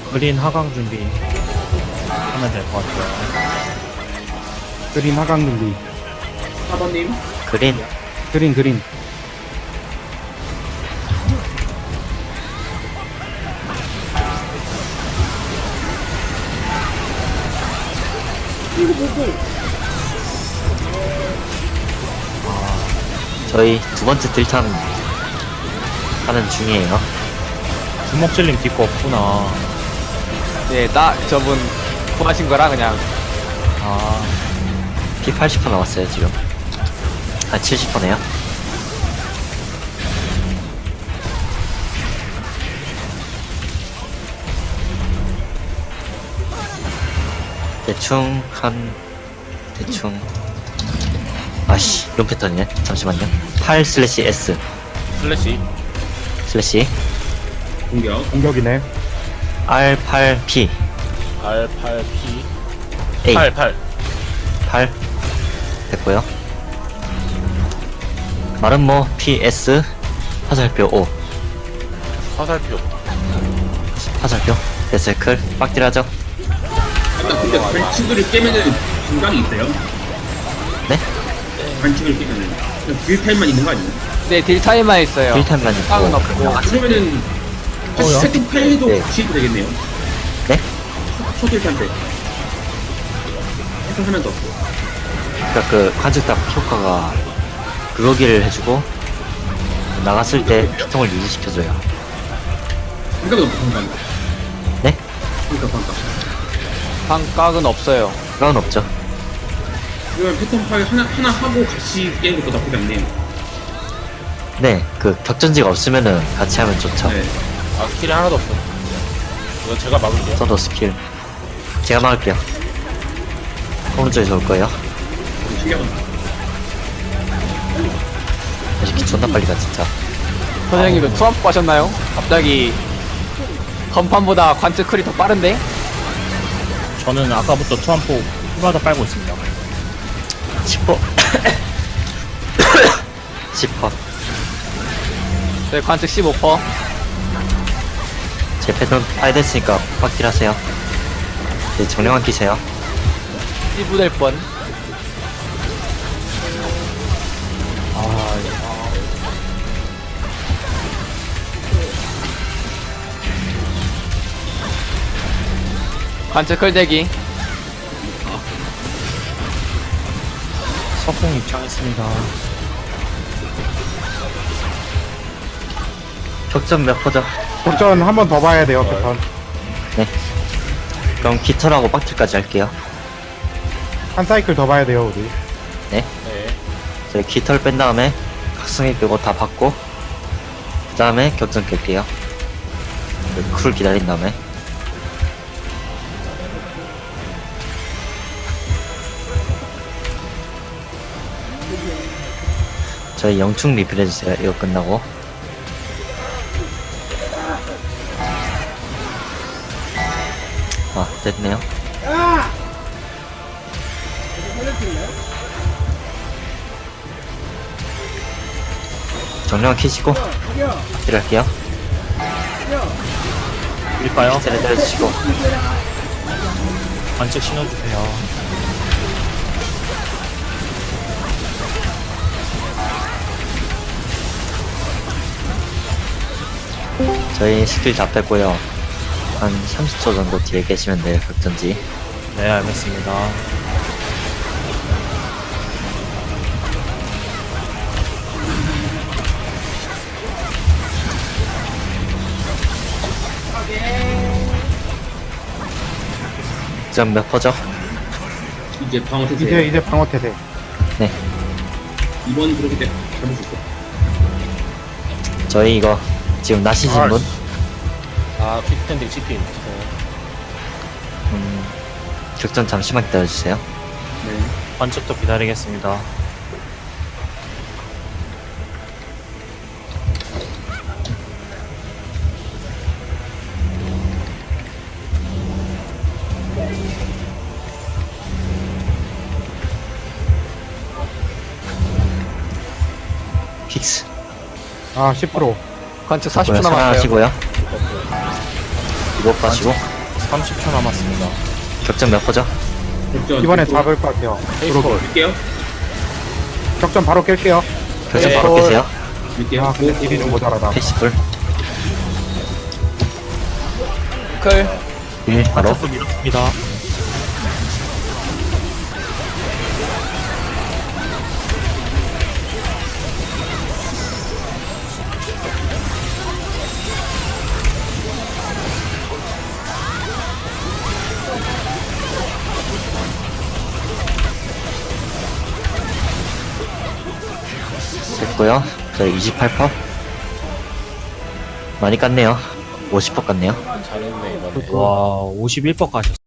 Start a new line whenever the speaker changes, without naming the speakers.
그린 하강 준비 하면 될 것 같아요.
그린 하강 준비.
4번님.
그린
그린.
저희 두 번째 딜탐 하는 중이에요.
주먹 찔림 딛고 없구나.
네, 저분 구하신 거라 그냥.
아,
피 80% 나왔어요 지금. 아 70%네요. 대충 아씨 이런 패턴이네. 잠시만요. 8/S
슬래시
공격.
공격이네.
R8P
R8P
A
88
8 됐고요. 마름모 PS 화살표 5
화살표
화살표 데스클 빡딜하죠.
아까 근데 반칙을 깨면은 중간이 있어요?
네?
반칙을 깨면은. 그냥 딜 타임만 있는 거 아니에요?
네, 딜 타임만 있어요.
딜타임만 있고
깡은 없고.
그러면은
어요?
세팅 타임도
네.
같이 해도 되겠네요.
네?
초딜 타임 때. 세팅 하면서.
그러니까 그 관측답 효과가 그러기를 해주고 나갔을 때 피통을 유지시켜줘요.
반각은 없고 반각.
네?
그러니까 반각.
방각은 없어요.
그건 없죠.
그러면 패턴 파일 하나 하고 같이 깨는 것도 나쁘지 않네요.
네, 그 격전지가 없으면은 같이 하면 좋죠.
네.
아 스킬이 하나도 없어. 이거 제가 막을게요.
써도 스킬 제가 막을게요. 오른쪽에서 올 거예요.
신기하다.
이렇게 존나 빨리 가 진짜.
선생님도 투합 하셨나요? 갑자기 건판보다 관측클이 더 빠른데?
저는 아까부터 투한포 후바다 빨고 있습니다.
10퍼 10퍼
네, 관측 15%.
제 패턴 파야 됐으니까 빡딜 하세요. 네, 정령한 끼세요.
1부 될 뻔. 관측클 대기.
석궁 입장했습니다.
격전 몇 퍼죠?
격전 한 번 더 봐야 돼요, 패턴.
네. 그럼 깃털하고 빡딜까지 할게요.
한 사이클 더 봐야 돼요, 우리.
네.
저희 깃털 뺀 다음에 각성기 빼고 다 받고 그 다음에 격전 깰게요. 쿨 기다린 다음에 저희 영충 리필 해주세요. 이거 끝나고. 아 됐네요. 정령 키시고 딜할게요.
밀까요?
딜을 때려주시고
관측 신어주세요.
저희 스킬 다 뺐고요. 한 30초 정도 뒤에 계시면 돼요. 격전지.
네, 알겠습니다.
점 몇 퍼죠?
이제 방어 태세.
이제 방어 태세.
네.
2번 그렇게 돼. 잡을 수 있어.
저희 이거 지금 나시신 분?
아 퀵스탠딩 CP.
격전 잠시만 기다려주세요.
네.
관측도 기다리겠습니다.
픽스.
아, 10%.
관측 40%
뭐야,
남았어요.
살아나시고요. 이거 빠시고.
30초 남았습니다.
격전 몇 퍼죠?
격전
이번에
앞으로
잡을 것 같아요.
밀게요.
격전 바로 깰게요.
격전
네.
바로 깨세요.
밀게요.
아, 근데 딜이 모자라다.
패시풀.
클.
바로.
또 밀었습니다.
됐고요. 저희 28퍼. 많이 깠네요. 50퍼 깠네요.
잘했네 이번에.
와, 51번 가셨어.